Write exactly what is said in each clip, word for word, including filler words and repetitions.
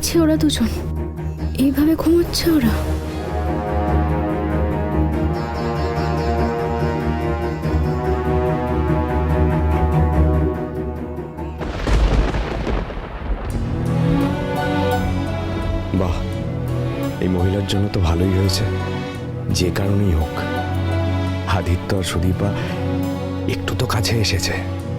দেখছি ওরা দুজন এইভাবে ঘুমোচ্ছে ওরা। বাহ, এই মহিলার জন্য তো ভালোই হয়েছে। যে কারণেই হোক, আদিত্য আর সুদীপা একটু তো কাছে এসেছে।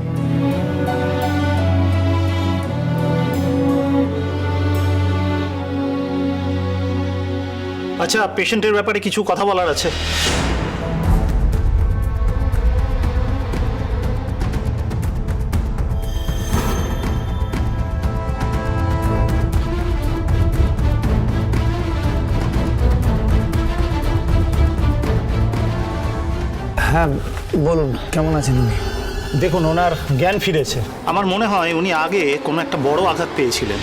আচ্ছা, পেশেন্টের ব্যাপারে কিছু কথা বলার আছে। হ্যাঁ বলুন, কেমন আছেন উনি? দেখুন, ওনার জ্ঞান ফিরেছে। আমার মনে হয় উনি আগে কোনো একটা বড় আঘাত পেয়েছিলেন।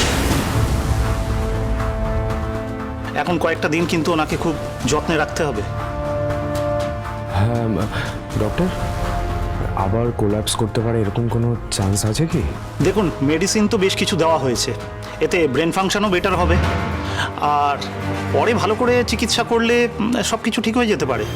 এখন কয়েকটা দিন কিন্তু ওনাকে খুব যত্নে রাখতে হবে। হ্যাঁ ডক্টর, আবার কোল্যাপস করতে পারে এরকম কোনো চান্স আছে কি? দেখুন, মেডিসিন তো বেশ কিছু দেওয়া হয়েছে, এতে ব্রেন ফাংশনও বেটার হবে, আর পরে ভালো করে চিকিৎসা করলে সব কিছু ঠিক হয়ে যেতে পারে।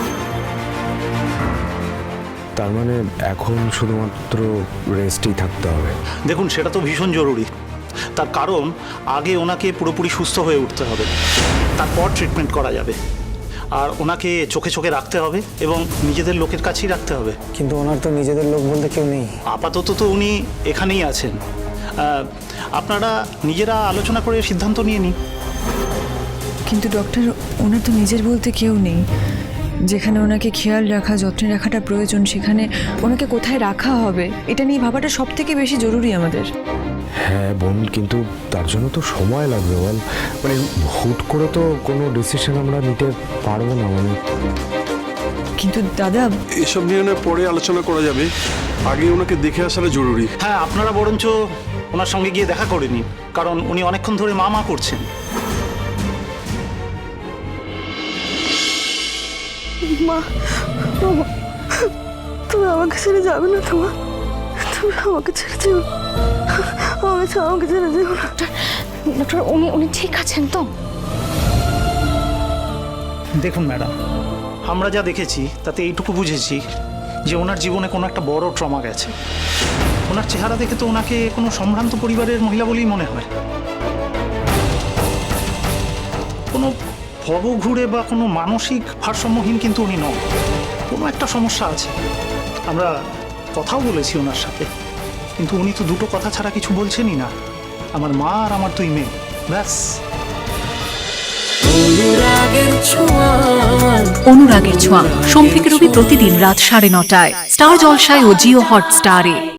তার মানে এখন শুধুমাত্র রেস্টেই থাকতে হবে? দেখুন, সেটা তো ভীষণ জরুরি। তার কারণ আগে ওনাকে পুরোপুরি সুস্থ হয়ে উঠতে হবে, তারপর ট্রিটমেন্ট করা যাবে। আর ওনাকে চোখে চোখে রাখতে হবে এবং নিজেদের লোকের কাছেই রাখতে হবে। কিন্তু ওনার তো নিজেদের লোক বলতে কেউ নেই। আপাতত তো উনি এখানেই আছেন। আপনারা নিজেরা আলোচনা করে সিদ্ধান্ত নিয়ে নিন। কিন্তু ডক্টর, ওনার তো নিজের বলতে কেউ নেই। যেখানে ওনাকে খেয়াল রাখা, যত্নে রাখাটা প্রয়োজন, সেখানে ওনাকে কোথায় রাখা হবে এটা নিয়ে ভাবাটা সব থেকে বেশি জরুরি আমাদের। হ্যাঁ বোন, কিন্তু তার জন্য তো সময় লাগবে বল। মানে হুট করে তো কোনো ডিসিশন আমরা নিতে পারবো না। মানে কিন্তু দাদা, এসব নিয়ে না পরে আলোচনা করা যাবে, আগে ওনাকে দেখে আসাটা জরুরি। হ্যাঁ, আপনারা বরঞ্চ ওনার সঙ্গে গিয়ে দেখা করে নিন, কারণ উনি অনেকক্ষণ ধরে মা মা করছেন। মা, তুমি আমাকে ছেড়ে যাবে না? তোমার তুমি আমাকে ছেড়ে যেও, আমাকে আমাকে ছেড়ে যেও না। ডক্টর, উনি উনি ঠিক আছেন তো? দেখুন ম্যাডাম, আমরা যা দেখেছি তাতে এইটুকু বুঝেছি যে ওনার জীবনে কোনো একটা বড় ট্রমা গেছে। ওনার চেহারা দেখে তো ওনাকে কোনো সম্ভ্রান্ত পরিবারের মহিলা বলেই মনে হয়। কোনো ভবঘুরে বা কোনো মানসিক ভারসাম্যহীন কিন্তু উনি নন। কোনো একটা সমস্যা আছে। আমরা কথাও বলেছি ওনার সাথে, কিন্তু উনি তো দুটো কথা ছাড়া কিছু বলছেনই না। আমার মা আর আমার দুই মেয়ে, ব্যাস। অনুরাগের ছোঁয়া, সোম থেকে রবি প্রতিদিন রাত সাড়ে নটায় স্টার জলসায় ও জিও হটস্টারে।